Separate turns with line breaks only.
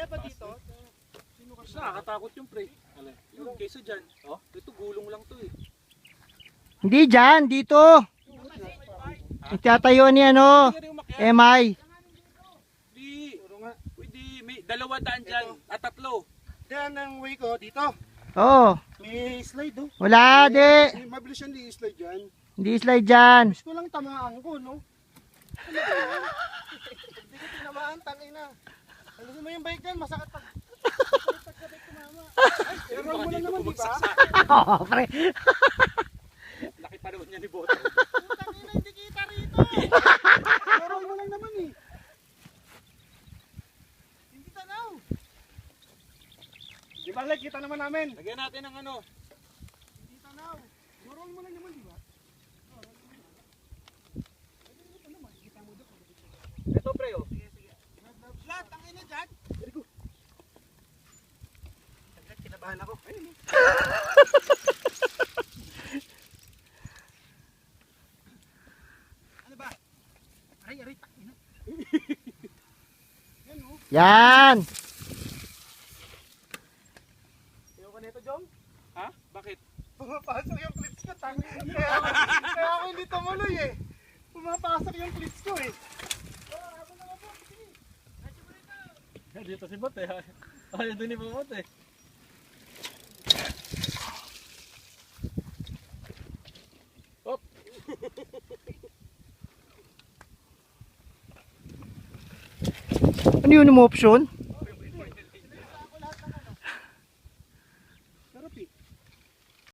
ba dito?
Mas nakakatakot yung pre. Yun, kaysa dyan. Oh, ito gulong lang to eh.
Hindi dyan, dito. Itatayo ni ano, MI.
Di. Pwede, may 200 dyan. At 3.
Diyan ang way ko, dito.
Oo.
May slide oh.
Wala, di.
Mabilis yan di slide dyan.
Hindi slide dyan.
Gusto ko lang tamaan ko, no? Ano ba yan? Hindi ko tinamaan, tangin na. Alam mo yung bike dyan, masakit pag... Pagkabit tumama. Ay, pero mo lang naman, di ba?
Oo, pre.
Laki pa naman niya ni Boto.
Tangin na, hindi kita rito. Pero mo lang naman eh. Hindi tanaw. Di ba, like, kita naman namin.
Lagyan natin ng ano.
Hindi tanaw. Roll mo lang naman, di ba?
Ito pre oh.
Lahat, tangin na dyan. Very good. Saglit, kinabahan ako. Ayun. Ano ba? Aray, aray, tangin na. Yan oh.
Yan.
Ayaw ka nito, Jom?
Ha? Bakit?
Pumapasok yung clips ko, tangin na. Kaya ako hindi tumuloy eh. Pumapasok yung clips ko eh.
Dito si Bot eh. Ayaw doon ni Bot eh. Hop!
Ano yun yung option?